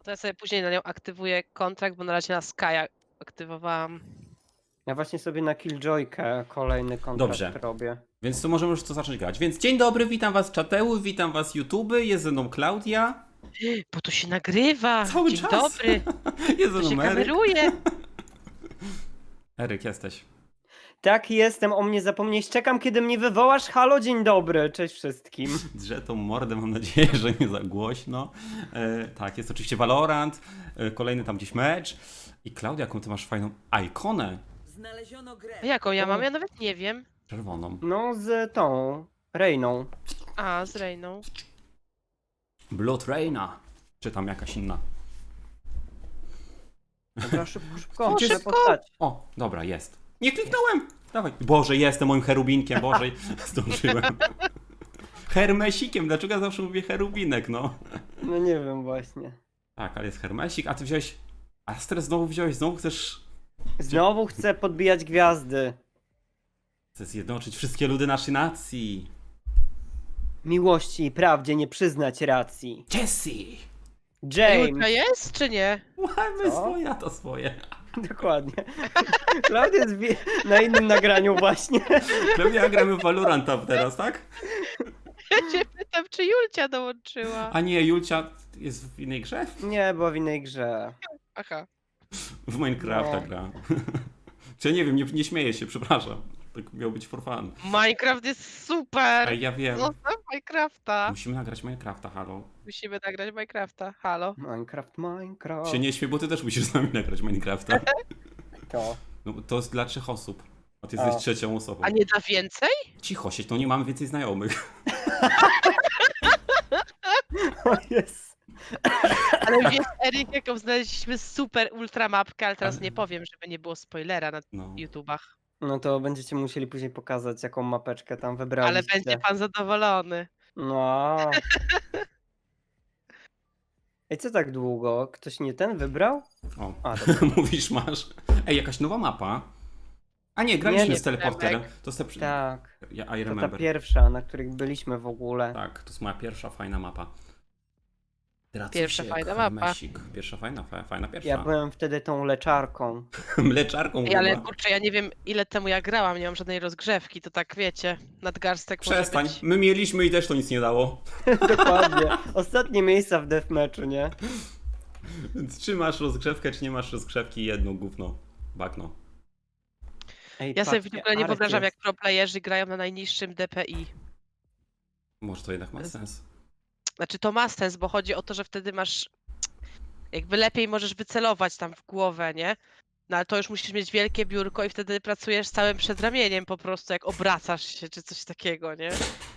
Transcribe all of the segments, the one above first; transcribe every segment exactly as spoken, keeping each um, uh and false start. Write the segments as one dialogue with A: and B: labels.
A: To ja sobie później na nią aktywuję kontrakt, bo na razie na Skya aktywowałam.
B: Ja właśnie sobie na Killjoykę kolejny kontrakt
C: Dobrze.
B: robię.
C: Więc to możemy już to zacząć grać. Więc dzień dobry, witam was czateuły, witam was YouTube, jest ze mną Klaudia.
A: Bo to się nagrywa!
C: Cały
A: Dzień
C: czas.
A: dobry!
C: Jest ze
A: To się
C: mną Eryk.
A: kameruje!
C: Eryk, jesteś.
B: Tak, jestem, o mnie zapomnieć. Czekam, kiedy mnie wywołasz. Halo, dzień dobry, cześć wszystkim.
C: Drze tą mordę, mam nadzieję, że nie za głośno. E, tak, jest oczywiście Valorant, e, kolejny tam gdzieś mecz. I Klaudia, jaką ty masz fajną ikonę
D: Znaleziono grę.
A: A jaką ja mam? Ja nawet nie wiem.
C: czerwoną.
B: No, z tą Reyną.
A: A, z Reyną.
C: Blood Raina. Czy tam jakaś inna.
B: Dobra, szybko, szybko,
A: O,
B: muszę
A: szybko!
B: postać.
C: O, dobra, jest. Nie kliknąłem! Dawaj. Boże, jestem moim cherubinkiem, Boże, zdążyłem. Hermesikiem, dlaczego ja zawsze mówię cherubinek, no?
B: No nie wiem właśnie.
C: Tak, ale jest hermesik, a ty wziąłeś... Astrę znowu wziąłeś, znowu chcesz...
B: Znowu chcę podbijać gwiazdy.
C: Chcesz zjednoczyć wszystkie ludy naszej nacji.
B: Miłości i prawdzie nie przyznać racji.
C: Jessie!
A: Julka
B: James.
A: jest, czy nie?
C: Mamy
B: Co?
C: swoje, a to swoje.
B: Dokładnie. Klaudia jest wi- na innym nagraniu właśnie.
C: Klaudia, gramy w Valoranta teraz, tak?
A: Ja cię pytam, czy Julcia dołączyła.
C: A nie, Julcia jest w innej grze?
B: Nie, była w innej grze.
A: Aha.
C: W Minecrafta
B: No.
C: gra. Czy ja nie wiem, nie, nie śmieję się, przepraszam. Tak miał być for fun.
A: Minecraft jest super!
C: Ej, ja wiem.
A: Zostaw Minecrafta!
C: Musimy nagrać Minecrafta, halo.
A: Musimy nagrać Minecrafta. Halo.
B: Minecraft, Minecraft.
C: Się nie śmiej, bo ty też musisz z nami nagrać Minecrafta.
B: To.
C: No, to jest dla trzech osób. A ty jesteś
B: A.
C: trzecią osobą.
A: A nie da więcej?
C: Cicho siedź, no nie mamy więcej znajomych.
B: O jest.
A: Ale wiesz, Eryk, jaką znaleźliśmy super ultra mapkę, ale teraz
C: Ale-
A: nie powiem, żeby nie było spoilera na
C: No.
A: YouTubach.
B: No to będziecie musieli później pokazać, jaką mapeczkę tam
A: Ale
B: wybraliście.
A: będzie pan zadowolony.
B: No. Ej, co tak długo? Ktoś nie ten wybrał?
C: O,
B: A, dobra.
C: mówisz, masz. Ej, jakaś nowa mapa. A nie, graliśmy
B: nie,
C: z teleporterem.
A: Przemek.
C: To jest te... przy-
B: Tak.
C: Ja, I
B: To ta
C: remember.
B: pierwsza, na której byliśmy w ogóle.
C: Tak, to jest moja pierwsza fajna mapa.
A: Pierwsza
C: Dracusiek,
A: fajna mapa.
C: Hermesik. Pierwsza fajna, fa- fajna pierwsza.
B: Ja byłem wtedy tą leczarką.
C: Mleczarką
A: Ej, ale
C: chyba.
A: kurczę, ja nie wiem ile temu ja grałam, nie mam żadnej rozgrzewki, to tak wiecie, nadgarstek
C: Przestań,
A: może być.
C: my mieliśmy i też to nic nie dało.
B: Dokładnie. Ostatnie miejsca w deathmatchu, nie?
C: Więc czy masz rozgrzewkę, czy nie masz rozgrzewki, jedno gówno. Bagno.
B: Ej,
A: Ja sobie w
B: patrzcie,
A: ogóle nie
B: Arek
A: wyobrażam, jak
B: jest.
A: pro playerzy grają na najniższym D P I.
C: Może to jednak ma sens.
A: Znaczy to ma sens, bo chodzi o to, że wtedy masz jakby lepiej możesz wycelować tam w głowę, nie? No ale to już musisz mieć wielkie biurko i wtedy pracujesz całym przedramieniem po prostu, jak obracasz się czy coś takiego, nie?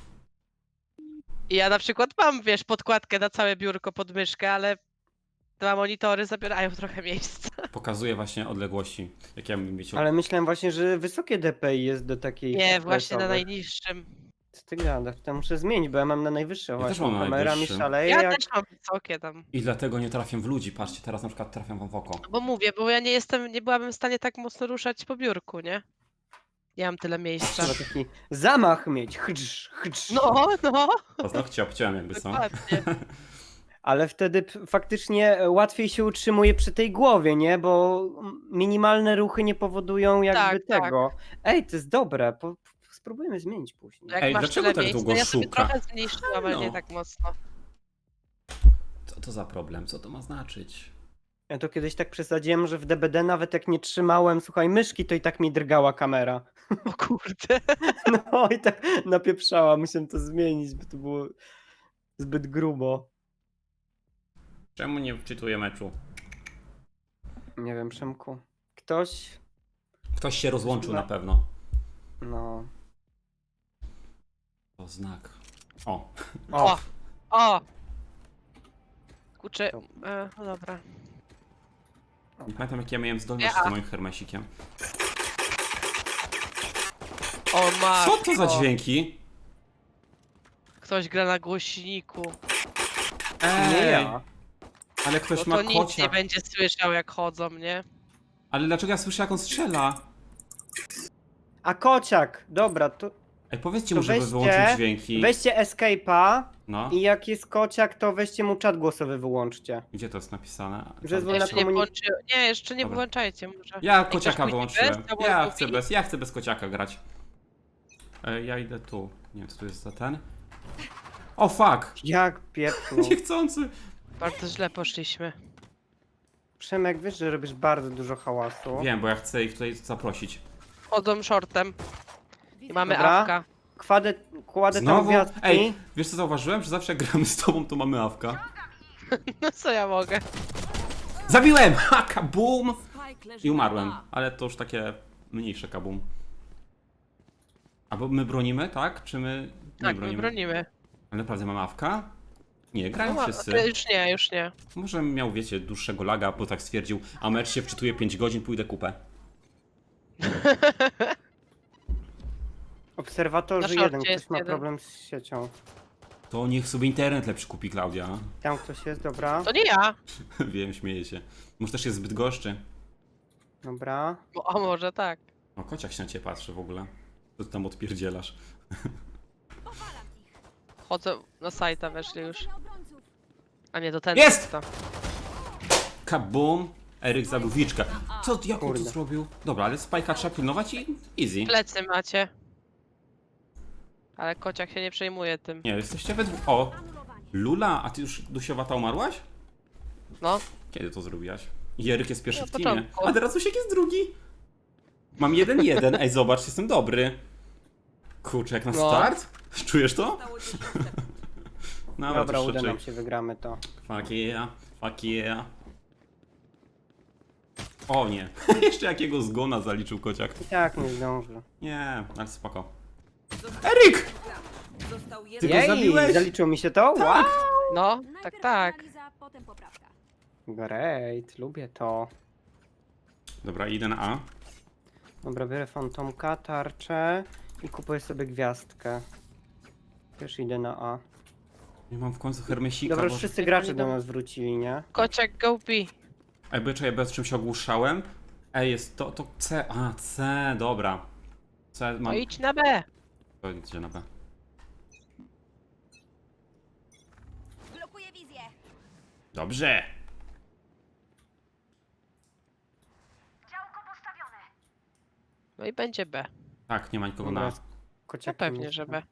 A: I ja na przykład mam, wiesz, podkładkę na całe biurko pod myszkę, ale dwa monitory zabierają trochę miejsca.
C: Pokazuje właśnie odległości, jakie ja bym mieć.
B: Ale myślałem właśnie, że wysokie D P I jest do takiej.
A: Nie, właśnie na
B: FPS-owych.
A: najniższym.
B: Co ty gadasz? To muszę zmienić, bo ja mam na najwyższe
C: też
B: właśnie.
C: mam na
B: Kamera mi
C: najwyższym.
B: szaleje
A: Ja
B: jak...
A: też mam wysokie tam.
C: I dlatego nie trafiam w ludzi. Patrzcie, teraz na przykład trafiam wam w oko.
A: Bo mówię, bo ja nie jestem, nie byłabym w stanie tak mocno ruszać po biurku, nie? Nie mam tyle miejsca.
B: Trzeba taki zamach mieć. Chdż, chdż.
A: No, no,
C: Paznokcie obciąłem jakby są.
A: dokładnie.
B: Ale wtedy p- faktycznie łatwiej się utrzymuje przy tej głowie, nie? Bo minimalne ruchy nie powodują jakby
A: Tak, tak.
B: tego. Ej, to jest dobre. Po, po, spróbujemy zmienić później.
A: Jak
C: Ej,
A: masz
C: dlaczego
A: tyle
C: tak
A: miejsca,
C: długo
A: ja sobie
C: szuka?
A: trochę zmniejszyłam, ale nie
C: Halo.
A: tak mocno.
C: Co to za problem? Co to ma znaczyć?
B: Ja to kiedyś tak przesadziłem, że w D B D nawet jak nie trzymałem, słuchaj, myszki, to i tak mi drgała kamera.
A: O kurde.
B: No i tak napieprzała. Musiałem to zmienić, bo to było zbyt grubo.
C: Czemu nie wczytuję meczu?
B: Nie wiem, Przemku. Ktoś?
C: Ktoś się rozłączył
B: Chyba-
C: na pewno.
B: No.
C: To znak. O,
B: O,
A: O, o! Kurczę, e, no dobra.
C: nie pamiętam jakie ja miałem zdolności
A: Ja.
C: z moim hermesikiem.
A: O matko.
C: Co to za dźwięki?
A: Ktoś gra na głośniku.
C: Ej,
B: nie ja.
C: ale ktoś
A: No
C: ma
A: to nic nie
C: kocia.
A: będzie słyszał jak chodzą, nie?
C: Ale dlaczego ja słyszę jak on strzela?
B: A kociak, dobra, to
C: Ej, powiedzcie
B: To
C: mu, żeby
B: weźcie-
C: wyłączył dźwięki.
B: weźcie escape'a
C: No,
B: I jak jest kociak, to weźcie mu czat głosowy, wyłączcie.
C: gdzie to jest napisane?
B: Że
C: Tam
B: zwolna
A: Jeszcze nie
B: komunik-
A: włączy... Nie, jeszcze nie
C: Dobra.
A: włączajcie może.
C: Ja
A: ktoś
C: kociaka
A: pójdzie
C: wyłączyłem.
A: bez, albo
C: Ja
A: lubi.
C: chcę bez, ja chcę bez kociaka grać. E, ja idę tu. Nie wiem, co tu jest za ten. O fuck!
B: Jak pieprzną.
C: Niechcący!
A: Bardzo źle poszliśmy.
B: Przemek, wiesz, że robisz bardzo dużo hałasu.
C: Wiem, bo ja chcę ich tutaj zaprosić.
A: Chodzą shortem. I mamy
B: Dobra.
A: awka.
B: Kładę, kładę tam
C: Znowu?
B: gwiazdki.
C: Ej, wiesz co zauważyłem? Że zawsze jak gramy z tobą, to mamy awka.
A: No co ja mogę?
C: Zabiłem! Ha, kabum!
D: Spike leży
C: I
D: na
C: umarłem.
D: A.
C: Ale to już takie mniejsze kabum. Albo my bronimy, tak? Czy my nie
A: Tak, my
C: bronimy?
A: bronimy.
C: Ale naprawdę mamy awka? Nie, grają
A: No,
C: wszyscy.
A: ale już nie, już nie.
C: Może miał, wiecie, dłuższego laga, bo tak stwierdził, a mecz się wczytuje pięć godzin, pójdę kupę.
B: Obserwatorzy
A: Na szorcie
B: jeden, ktoś
A: jest
B: ma
A: jeden.
B: problem z siecią.
C: To niech sobie internet lepszy kupi, Klaudia.
B: Tam ktoś jest, dobra.
A: To nie ja.
C: Wiem, śmieję się. Może też jest zbyt goszczy.
B: Dobra.
A: Bo, a może tak.
C: O, kociak się na ciebie patrzy w ogóle. Co ty tam odpierdzielasz?
A: Chodzę na sajta, weszli już. A nie, do ten.
C: Jest!
A: To.
C: Kabum! Eryk zabił Wiczkę. Co, jak on to
B: Kurde.
C: zrobił? Dobra, ale spajka trzeba pilnować i easy.
A: Plecy macie. Ale kociak się nie przejmuje tym.
C: Nie, jesteście we dwóch. O! Lula, a ty już dusiowata umarłaś?
A: No.
C: Kiedy to zrobiłaś? I Eryk jest pierwszy
A: Na
C: w teamie.
A: początku.
C: A teraz Usiek jest drugi. Mam jeden jeden. Ej, zobacz, jestem dobry. Kurczę, jak na
A: No.
C: start? Czujesz to?
D: Zostało dziesięć sekund.
C: No,
B: Dobra, uda
C: troszeczkę.
B: nam się, wygramy to.
C: Fuck yeah, fuck yeah. O nie, jeszcze jakiego zgona zaliczył kociak.
B: I tak nie zdążę.
C: Nie, ale spoko. Eryk!
D: Został
C: Ty
D: jeden.
C: go
B: Jej,
C: zabiłeś?
B: zaliczyło mi się to? Wow!
A: No, tak,
D: Najpierw
A: tak.
D: analiza, potem poprawka.
B: Great, lubię to.
C: Dobra, idę na A.
B: Dobra, biorę fantomka, tarczę i kupuję sobie gwiazdkę. Też idę na A.
C: Nie mam w końcu hermesika,
B: Dobra, już
C: bo...
B: wszyscy
A: Jak
B: gracze
A: oni
B: do
A: tam-
B: nas wrócili, nie?
A: Kociak go B.
C: Ej, bo czekaj, bez czym się ogłuszałem. Ej, jest to, to C. A, C, dobra. C
A: No
C: mam...
A: idź na B.
C: To idzie na B.
D: Blokuję wizję.
C: Dobrze!
A: No i będzie B.
C: Tak, nie ma nikogo
B: Dobra,
C: na...
B: z
A: No
B: kociakiem
A: pewnie, że
B: jestem.
A: B.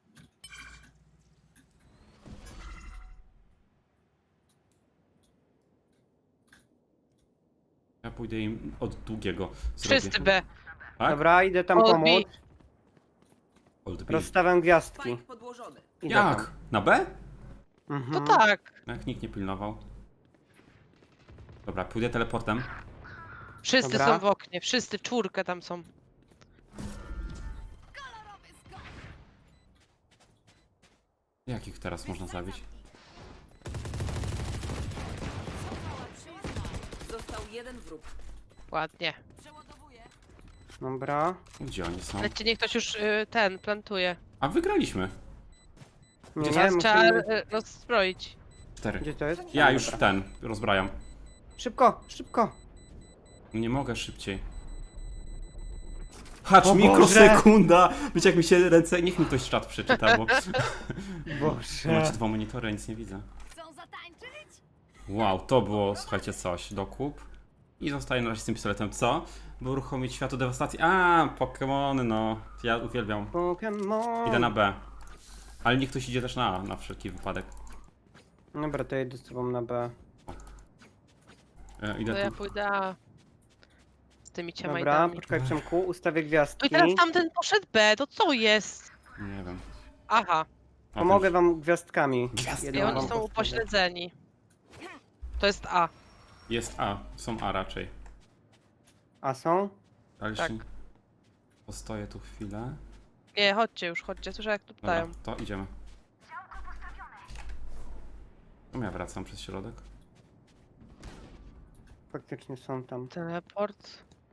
C: Ja pójdę im od długiego.
A: Wszyscy
C: zrobię.
A: B.
C: Tak?
B: Dobra, idę tam
A: Old
B: pomóc.
C: Old B.
B: Rozstawiam gwiazdki.
D: Spike podłożony.
B: Idę
C: Jak? Na B?
A: To
B: Mhm.
A: tak.
C: Jak nikt nie pilnował. Dobra, pójdę teleportem.
A: Wszyscy
B: Dobra.
A: są w oknie. Wszyscy, czwórkę tam są.
C: Jak ich teraz można zabić?
D: Został jeden wróg.
A: Ładnie.
D: Przeładowuję.
B: Dobra.
C: Gdzie oni są?
A: Ale ci niech ktoś już y, ten plantuje.
C: A wygraliśmy.
B: Nie,
C: Gdzie
B: nie,
A: Teraz trzeba
B: musimy...
A: y, rozbroić.
C: Cztery.
B: Gdzie to jest?
C: Ja
B: A,
C: już
B: dobra.
C: ten, rozbrajam.
B: Szybko, szybko.
C: No nie mogę szybciej. Hacz,
B: O
C: mikrosekunda! Wiecie jak mi się ręce... Niech mi ktoś czat przeczyta, bo...
B: Boże.
C: Macie dwa monitory, nic nie widzę.
D: Chcą zatańczyć?
C: Wow, to było, słuchajcie, coś. Dokup. I zostaję na razie z tym pistoletem. Co? By uruchomić światło dewastacji. A, Pokemony, no. Ja uwielbiam.
B: Pokémon.
C: Idę na B. Ale niech ktoś idzie też na A, na wszelki wypadek.
B: Dobra, to jedę z tobą na B.
C: E,
A: To
C: idę
A: ja
C: tu.
A: pójdę A. Z tymi
B: Dobra,
A: ciamajdami.
B: poczekaj Przemku, ustawię
A: No i
B: gwiazdki.
A: teraz tamten poszedł B, to co jest?
C: Nie wiem.
A: Aha,
C: A,
B: Pomogę
C: ten-
B: wam gwiazdkami.
C: Gwiazdki.
B: Jedną
A: i
B: wam
A: oni są
B: postawię.
A: upośledzeni. To jest A.
C: Jest A, są A raczej.
B: A są?
C: Ale
A: Tak.
C: jeszcze... Postoję tu chwilę.
A: Nie, chodźcie już, chodźcie, słyszę jak tu
C: Dobra,
A: dają.
C: to idziemy. No ja wracam przez środek.
B: Faktycznie są tam.
A: Teleport.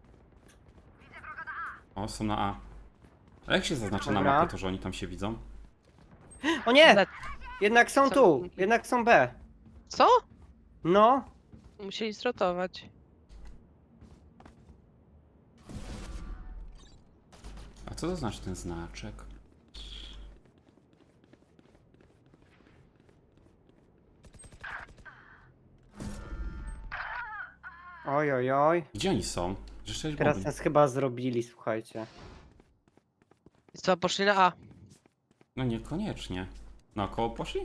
C: O, są na A. A jak się zaznacza na
B: Dobra.
C: mapie to, że oni tam się widzą?
B: O nie!
A: Le-
B: Jednak są
A: Co?
B: tu! Jednak są B.
A: Co?
B: No.
A: Musieli zrotować.
C: A co to znaczy ten znaczek?
B: Oj, oj, oj.
C: Gdzie oni są? Że sześć
B: Teraz
C: bomby.
B: nas chyba zrobili, słuchajcie.
A: I co, poszli na A.
C: No niekoniecznie. Naokoło poszli?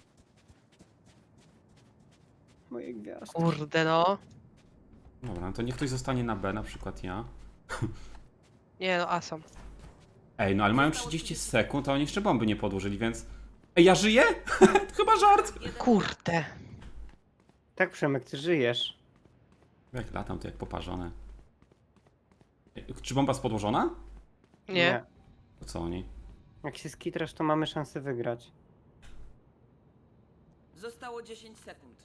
B: Moje gwiazdy.
A: Kurde no.
C: Dobra, no to niech ktoś zostanie na B, na przykład ja.
A: Nie no, A są.
C: Ej, no ale mają trzydzieści sekund, a oni jeszcze bomby nie podłożyli, więc... Ej, ja żyję? Chyba żart!
A: Kurde.
B: Tak, Przemek, ty żyjesz.
C: Jak latam, to jak poparzone. Ej, czy bomba jest podłożona?
A: Nie.
C: To co oni?
B: Jak się skitrasz, to mamy szansę wygrać.
D: Zostało dziesięć sekund.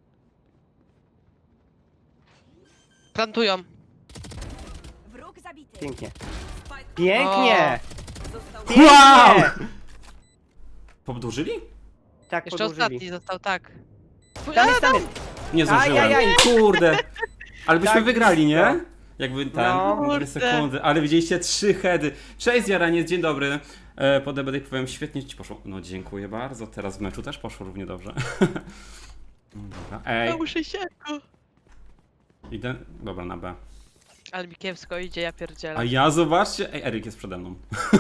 A: Plantują.
D: Wróg zabity.
B: Pięknie.
D: Spike
B: Pięknie!
D: został
B: Pięknie!
C: Wow! Podłożyli?
B: Tak,
A: Jeszcze
B: podłożyli.
A: ostatni został, tak.
B: Tam jest, tam jest.
C: Nie zdążyłem.
B: Ajajaj.
C: Kurde. Ale byśmy
B: Tak
C: wygrali, nie?
B: blisko.
C: Jakby ten,
B: No.
C: dwie
A: Kurde.
C: sekundy. Ale widzieliście trzy heady. Cześć Jaraniec, dzień dobry. E, po D B D powiem, świetnie ci poszło. No dziękuję bardzo. Teraz w meczu też poszło równie dobrze. Dobra.
A: Ja
C: Ej,
A: muszę się.
C: idę. Dobra, na B.
A: Ale mi kiepsko idzie, ja pierdzielę.
C: A ja zobaczcie. Ej, Eryk jest przede mną.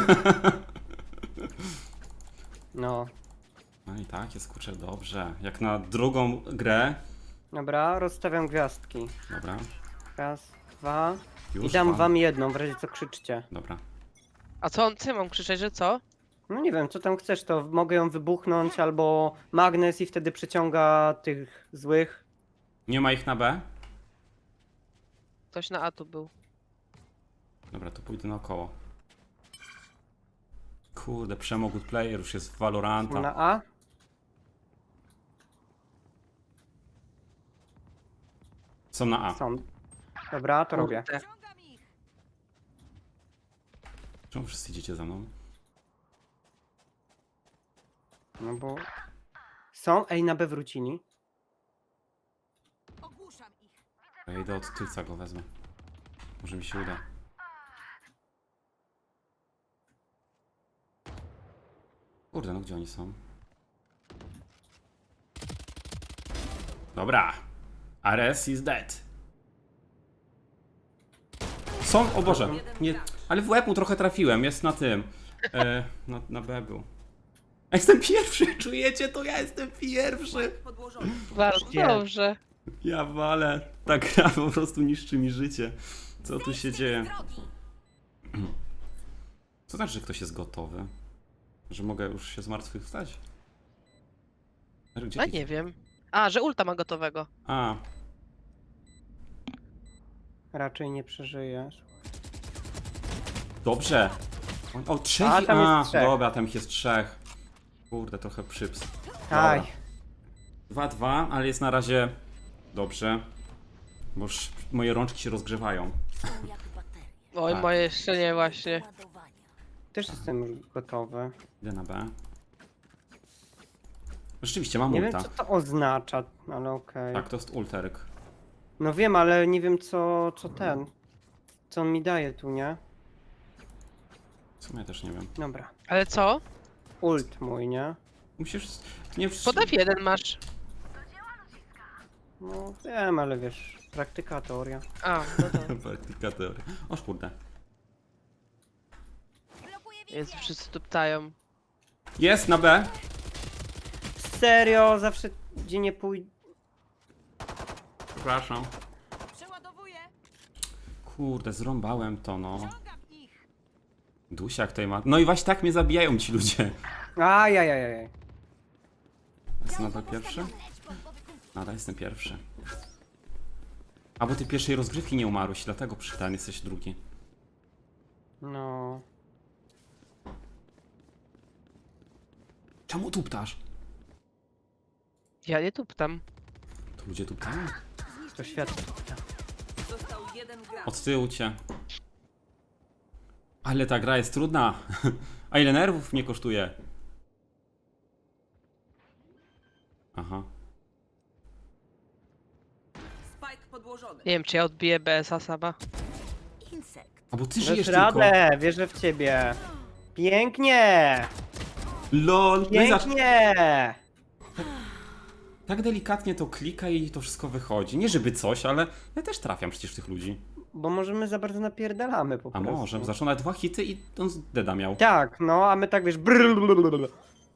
B: No.
C: No i tak, jest kurczę dobrze. Jak na drugą grę.
B: Dobra, rozstawiam gwiazdki.
C: Dobra.
B: Raz, dwa.
C: Już
B: I dam
C: mam.
B: wam jedną, w razie co krzyczcie.
C: Dobra.
A: A co on, co ja mam krzyczeć, że co?
B: No nie wiem, co tam chcesz, to mogę ją wybuchnąć, albo magnes i wtedy przyciąga tych złych.
C: Nie ma ich na B?
A: Ktoś na A tu był.
C: Dobra, to pójdę naokoło. Kurde, Przemo good player już jest w Valoranta.
B: Na A?
C: Są na A.
B: Są. Dobra, to robię.
A: Kurde.
D: Ciągam ich.
C: Czemu wszyscy idziecie za mną?
B: No bo... Są? Ej, na B wrócili.
D: Ogłuszam ich.
C: Ja idę od tylca go wezmę. Może mi się uda. Kurde, no gdzie oni są? Dobra. Ares is dead. Są? O Boże. Nie, ale w łeb mu trochę trafiłem. Jest na tym. E, na, na B był. A jestem pierwszy, czujecie to? Ja jestem pierwszy.
D: Spike podłożony.
A: Bardzo
B: Nie.
A: dobrze.
C: Ja walę. Ta gra po prostu niszczy mi życie. Co tu się dzieje?
D: Drogi.
C: Co znaczy, że ktoś jest gotowy? Że mogę już się zmartwychwstać? Gdzie
A: A
C: ty-
A: nie wiem. A, że ulta ma gotowego.
C: A,
B: Raczej nie przeżyjesz.
C: dobrze. O, o trzech.
B: A,
C: i-
B: tam jest
C: A,
B: trzech.
C: dobra, tam ich jest trzech. Kurde, trochę przyps.
B: Aj.
C: dwa dwa, ale jest na razie dobrze. Bo już moje rączki się rozgrzewają.
D: Są jak baterie.
A: Oj,
C: Tak.
A: moje jeszcze nie właśnie.
D: Ładowania.
B: Też jestem już gotowy.
C: Idę na B. Rzeczywiście, mam
B: Nie wiem,
C: ulta.
B: co to oznacza, ale okej.
C: Tak, to jest ulterek.
B: No wiem, ale nie wiem, co, co ten. Co on mi daje tu, nie?
C: W sumie też nie wiem.
B: Dobra.
A: Ale co?
B: Ult mój, nie?
C: Musisz... Nie...
A: Pod F jeden masz.
B: No wiem, ale wiesz, praktyka, teoria.
A: A, no to
C: Praktyka teoria. O kurde.
D: Blokuję
A: jest, wszyscy tu ptają.
C: Jest na B.
B: Serio, zawsze gdzie nie pójdę.
C: Przepraszam.
D: Przeładowuję.
C: Kurde, zrąbałem to, no.
D: Ciągam ich.
C: Dusiak tutaj ma... No i właśnie tak mnie zabijają ci ludzie.
B: Ajajajaj.
C: Jest nadal pierwszy? Nadal jestem pierwszy. A bo ty pierwszej rozgrywki nie umarłeś, dlatego przy ten jesteś drugi.
B: No.
C: Czemu tu ptasz?
A: Ja nie tu ptam.
C: To ludzie tu ptają?
B: To świat.
D: Został jeden gracz.
C: Od tyłu cię. Ale ta gra jest trudna. A ile nerwów mnie kosztuje? Aha.
D: Spike podłożony.
A: Nie wiem, czy ja odbiję B S a sama.
D: Insekt.
C: A bo ty
B: Dasz
C: żyjesz tylko.
B: radę, wierzę w ciebie. Pięknie!
C: LOL. No i zacz...
B: Pięknie!
C: tak delikatnie to klika i to wszystko wychodzi. Nie żeby coś, ale ja też trafiam przecież tych ludzi.
B: Bo może my za bardzo napierdalamy po
C: A
B: prostu.
C: może, zaczął na dwa hity i on z deda miał.
B: Tak, no, a my tak wiesz... brrrr.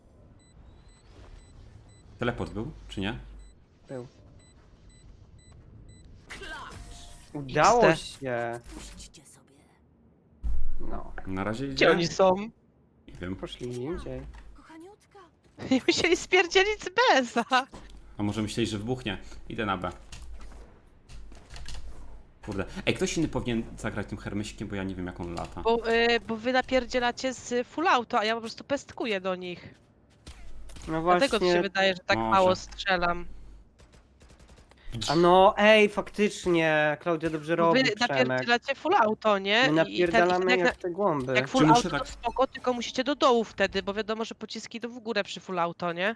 C: Teleport był, czy nie?
B: Był. Udało
A: X D.
B: się.
D: Puśćcie sobie.
B: No,
C: Na razie idzie.
A: Gdzie oni są?
C: Nie wiem.
B: poszli indziej.
D: Kochaniutka.
A: Nie musieli spierdzielić z B S a.
C: A może myśleli, że wybuchnie? Idę na B. Kurde. Ej, ktoś inny powinien zagrać tym hermesikiem, bo ja nie wiem jak on lata.
A: Bo, y, bo wy napierdzielacie z full auto, a ja po prostu pestkuję do nich.
B: No
A: Dlatego to się
B: właśnie.
A: wydaje, że tak
C: Może.
A: mało strzelam.
B: A no, ej, faktycznie, Klaudia dobrze
A: Bo
B: robi,
A: wy
B: Przemek.
A: napierdzielacie full auto, nie?
B: My
A: I- i ten-
B: napierdalamy
A: jak,
B: jak te głąby.
A: jak full
C: Czy muszę
A: auto to
C: tak-
A: spoko, tylko musicie do dołu wtedy, bo wiadomo, że pociski idą w górę przy full auto, nie?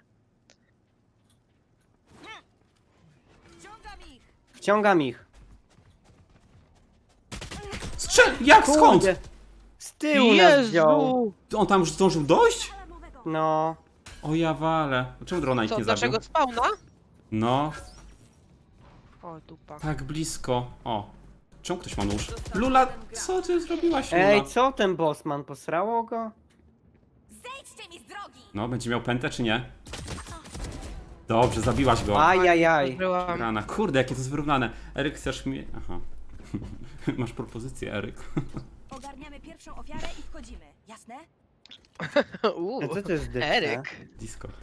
D: Ściągam ich.
B: Wciągam ich.
C: Strzel! Jak? Skąd?
B: Kurde, z tyłu nas wziął.
A: Jezu!
C: To on tam już zdążył dojść?
D: Alarmowego.
B: No,
C: O ja walę. Czemu drona ich
A: Co,
C: nie
A: z
C: zabił?
A: naszego spawna?
C: No,
A: O, dupa.
C: tak blisko. O. Czemu ktoś ma nóż? Lula, co ty zrobiłaś, Lula?
B: ej, co ten bossman, posrało go?
D: Zejdźcie mi z drogi.
C: No, będzie miał pętę czy nie? Dobrze, zabiłaś go.
B: Ajajaj.
A: Byłam.
C: Rana. Kurde, jakie to jest wyrównane. Eryk, chcesz mi... Aha. Masz propozycję, Eryk.
D: Ogarniamy pierwszą ofiarę i wchodzimy. Jasne?
A: Uuu,
B: A co to jest dykta?
A: Eryk.
C: Discord.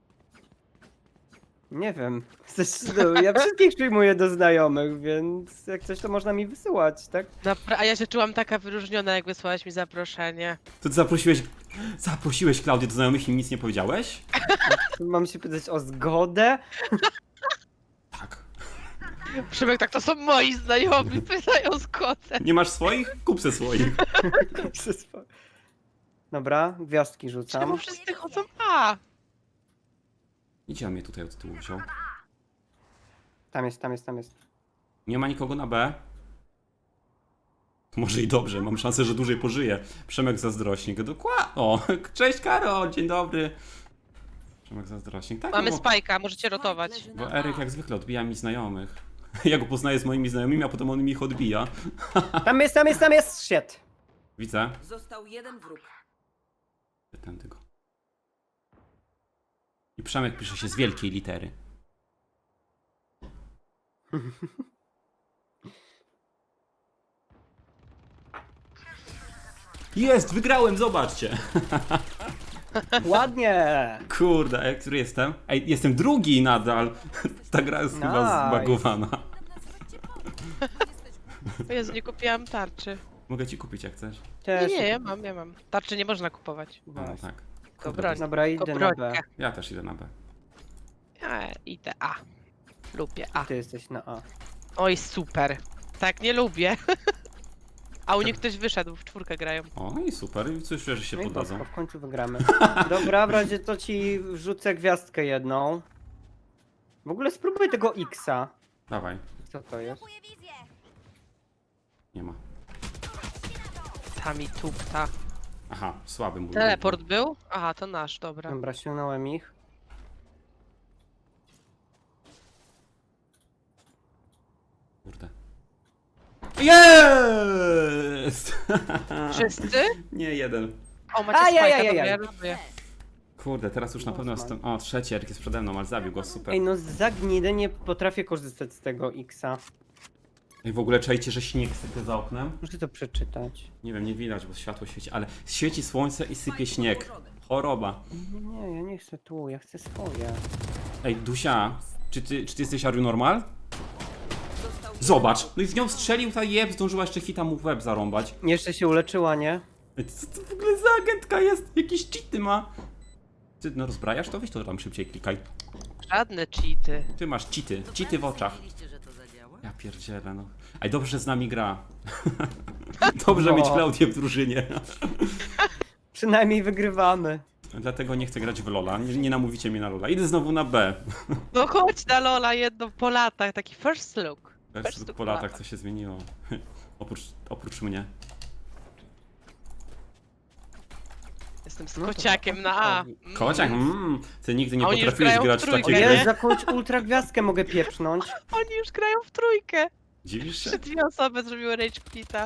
B: Nie wiem. Chcesz, no, ja wszystkich przyjmuję do znajomych, więc jak coś to można mi wysyłać, tak?
A: Napra- a ja się czułam taka wyróżniona, jak wysłałaś mi zaproszenie.
C: To ty zaprosiłeś... Zaprosiłeś Klaudię do znajomych i nic nie powiedziałeś?
B: Mam się pytać o zgodę?
C: Tak.
A: Przemek, tak to są moi znajomi, pytają zgodę.
C: Nie masz swoich? Kup se swoich.
B: Dobra, gwiazdki
A: Czemu
B: rzucam.
A: wszyscy chodzą A?
C: Idzie on mnie tutaj od tyłu wziął.
B: Tam jest, tam jest, tam jest.
C: Nie ma nikogo na B. Może i dobrze, mam szansę, że dłużej pożyję. Przemek Zazdrośnik. Dokładnie. O, cześć Karol, dzień dobry. Przemek Zazdrośnik. Tak,
A: Mamy
C: no bo,
A: spajka, możecie rotować.
D: Leży na
C: bo
D: A.
C: Eryk jak zwykle odbija mi znajomych. Ja go poznaję z moimi znajomymi, a potem on mi ich odbija.
B: Tam jest, tam jest, tam jest! Shit!
C: Widzę.
D: Został jeden wróg.
C: Tędy go. I Przemek pisze się z wielkiej litery. Jest, wygrałem, zobaczcie.
B: Ładnie!
C: Kurde, a który jestem? Ej, jestem drugi nadal. Ta gra jest chyba
B: Nice.
C: zbagowana.
A: O Jezu, nie kupiłam tarczy.
C: Mogę ci kupić jak chcesz.
A: Nie,
B: Też.
A: nie, ja mam, ja mam. Tarczy nie można kupować.
C: A, no tak.
A: Dobra.
B: Dobra, idę
A: Tylko
B: na B.
A: brońkę.
C: Ja też idę na B.
A: Ja idę A. Lubię A.
B: Ty jesteś na A.
A: Oj, super. Tak, nie lubię. A u nich ktoś wyszedł, w czwórkę grają.
C: O, i super. I coś, że się
B: No i
C: poddadzą.
B: bosko, w końcu wygramy. Dobra, w razie to ci wrzucę gwiazdkę jedną. W ogóle spróbuj tego X-a.
C: Dawaj.
B: Co to jest?
D: Kupuję wizję.
C: Nie ma.
A: Tam i tupta.
C: Aha, słaby mój.
A: Teleport był? Aha, to nasz, dobra.
B: Dobra, sięgnąłem ich.
C: Kurde. Jest!
A: Wszyscy?
C: Nie, jeden.
A: O, macie
B: Ajajajajaj.
A: spajka, dobra, ja robię.
C: Kurde, teraz już na pewno jestem... O, trzeci Eryk jest przede mną, ale zabił go, super.
B: Ej, no za gnidę nie potrafię korzystać z tego X-a.
C: I w ogóle czajcie, że śnieg sypie za oknem?
B: Muszę to przeczytać.
C: Nie wiem, nie widać, bo światło świeci, ale świeci słońce i sypie śnieg. Choroba.
B: Nie, nie, ja nie chcę tu, ja chcę swoje.
C: Ej, Dusia, czy ty, czy ty jesteś Are You Normal?
D: Został
C: Zobacz, no i w nią strzelił ta jeb, zdążyła jeszcze hita mu w łeb zarąbać.
B: Jeszcze się uleczyła, nie?
C: Ej, co to w ogóle za agentka jest? Jakieś cheaty ma. Ty no rozbrajasz to? Weź to tam szybciej klikaj.
A: Żadne cheaty.
C: Ty masz cheaty, cheaty w oczach.
D: Wiedzieliście, że to zadziała?
C: Ja pierdzielę, no. Ej, dobrze, że z nami gra. Dobrze
B: No.
C: mieć Klaudię w drużynie.
B: Przynajmniej wygrywamy.
C: Dlatego nie chcę grać w Lola. Nie, nie namówicie mnie na Lola. Idę znowu na B.
A: No chodź na Lola jedno po latach, taki first look.
C: Wiesz,
A: look
C: po latach co się zmieniło. oprócz, oprócz mnie.
A: Jestem tym z
B: No to
A: kociakiem na A. Mm.
C: Kociak, mm, ty nigdy nie
A: A oni już
C: potrafiłeś
A: grają w
C: grać w
A: trójkę,
C: takie
B: O
A: nie?
C: gry.
B: jest, jakąś ultra gwiazdkę mogę pieprznąć.
A: Oni już grają w trójkę.
C: Dziwisz się?
A: Trzy dwie osoby zrobiły rage quita.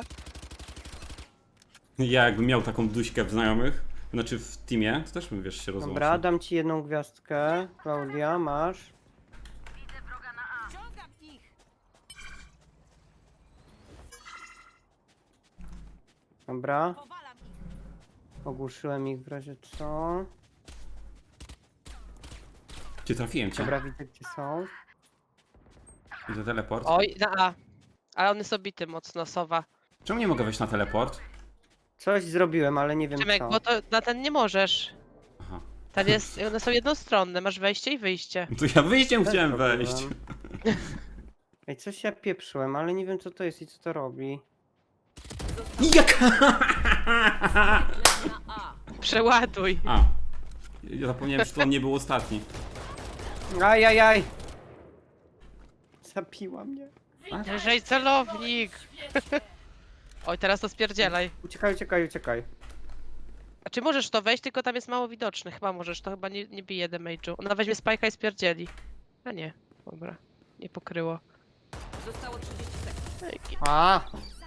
C: Ja jakbym miał taką duśkę w znajomych, znaczy w teamie, to też bym, wiesz, się rozłączył.
B: Dobra, dam ci jedną gwiazdkę. Klaudia, masz.
D: Ściągam ich!
B: Dobra,
D: Powalam ich!
B: ogłuszyłem ich w razie co.
C: Cię trafiłem cię.
B: Dobra, widzę gdzie są.
C: Idę teleport.
A: Oj, na A. Ale on jest obity mocno, Sowa.
C: Czemu nie mogę wejść na teleport?
B: Coś zrobiłem, ale nie wiem
A: Szymek,
B: co.
A: bo to na ten nie możesz.
C: Aha.
A: Ten jest, one są jednostronne, masz wejście i wyjście.
C: To ja wyjściem
B: Też
C: chciałem
B: robiłem.
C: wejść.
B: Ej, coś ja pieprzyłem, ale nie wiem co to jest i co to robi.
C: Jaka?
D: Na A!
A: Przeładuj.
C: A. Ja zapomniałem, że to on nie był ostatni.
B: Ajajaj! Zabiła mnie.
A: Wyżej celownik. Oj, teraz to spierdzielaj.
B: Uciekaj, uciekaj, uciekaj.
A: A czy możesz to wejść, tylko tam jest mało widoczny. Chyba możesz, to chyba nie, nie bije damage'u. Ona weźmie spajka i spierdzieli. A nie, dobra. Nie pokryło.
D: Zostało trzydzieści sekund.
A: Ej,
B: A!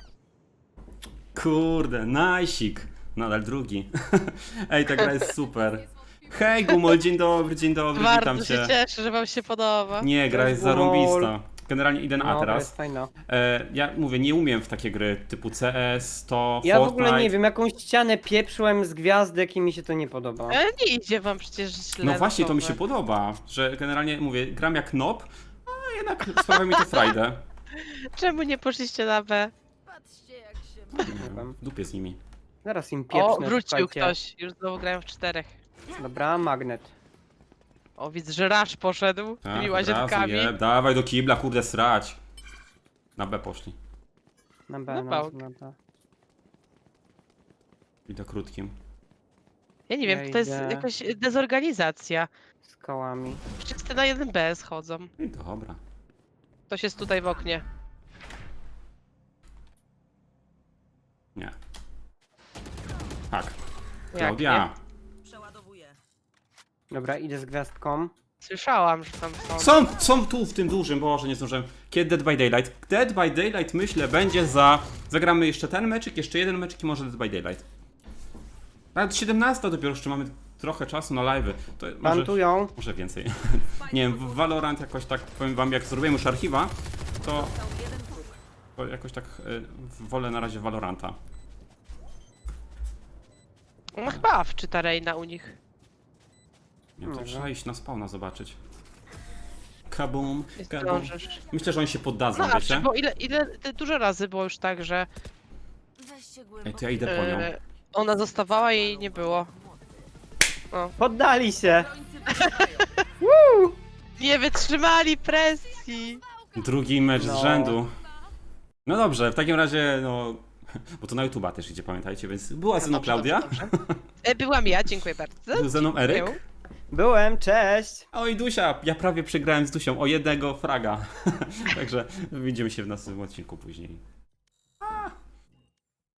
C: Kurde, najsik. Nadal drugi. Ej, ta gra jest super. Hej Gumol, dzień dobry, dzień dobry, witam
A: Bardzo się
C: cię.
A: cieszę, że wam się podoba.
C: Nie, gra jest
B: Cześć, Gumol.
C: zarąbista. Generalnie idę na A
B: No, to jest
C: teraz.
B: fajna.
C: E, ja mówię, nie umiem w takie gry typu C S, to
B: Ja w
C: Fortnite.
B: ogóle nie wiem, jakąś ścianę pieprzyłem z gwiazdek i mi się to nie podoba.
A: Ale nie idzie wam przecież źle.
C: No właśnie, to mi się
A: Sowa.
C: podoba, że generalnie mówię, gram jak nob, a jednak sprawia mi to frajdę.
A: Czemu nie poszliście na B?
D: Patrzcie jak się...
B: Nie wiem.
C: W dupie z nimi.
B: Zaraz im pieprznę,
A: O, wrócił
B: słuchajcie.
A: ktoś. Już znowu grają w czterech.
B: Dobra, magnet.
A: O, widzę, że Rasz poszedł
C: Tak,
A: tymi
C: od razu,
A: łazienkami.
C: jeb. Dawaj do kibla, kurde, srać. Na B poszli.
B: Na B,
A: No
B: na,
A: bałk.
B: na B.
C: I do krótkim.
A: Ja nie wiem,
B: Ja
A: to jest
B: idę.
A: jakaś dezorganizacja.
B: Z kołami.
A: Wszyscy na jeden B schodzą.
C: I dobra.
A: Ktoś jest tutaj w oknie.
C: Nie. Tak.
A: Jak
C: Klaudia.
D: Przeładowuję.
B: Dobra, idę z gwiazdką.
A: Słyszałam, że tam są.
C: Są, są tu w tym dużym, boże, nie zdążyłem. Kiedy Dead by Daylight? Dead by Daylight myślę będzie za... Zagramy jeszcze ten meczyk, jeszcze jeden meczyk i może Dead by Daylight. Nawet siedemnasta dopiero, jeszcze mamy trochę czasu na live'y. To może,
B: Plantują.
C: może więcej. Nie wiem, w Valorant jakoś tak, powiem wam, jak zrobiłem już archiwa, to,
D: Został jeden próg.
C: to jakoś tak y, wolę na razie Valoranta.
A: No chyba wczyta Reina u nich.
C: Nie wiem, to
B: Dobra.
C: trzeba iść na spawna zobaczyć. Kabum,
A: Nie
C: kabum.
A: zdążysz.
C: Myślę, że oni się poddadzą,
A: No,
C: wiecie?
A: bo ile, ile, ty- dużo razy było już tak, że
D: Weźcie
C: Ej,
D: głęboko.
C: to ja idę po nią.
A: e, ona zostawała i jej nie było.
B: Poddali się!
D: Obrońcy wygrywają.
A: Nie wytrzymali presji!
C: Drugi mecz
B: No.
C: z rzędu. No dobrze, w takim razie, no... Bo to na YouTube'a też idzie, pamiętajcie, więc była ze mną
A: Dobrze,
C: Klaudia,
A: dobrze, dobrze. E, byłam ja, dziękuję bardzo.
C: był ze mną Eryk.
A: Był.
B: Byłem, cześć!
C: O i Dusia, ja prawie przegrałem z Dusią o jednego fraga. Także widzimy się w następnym odcinku później.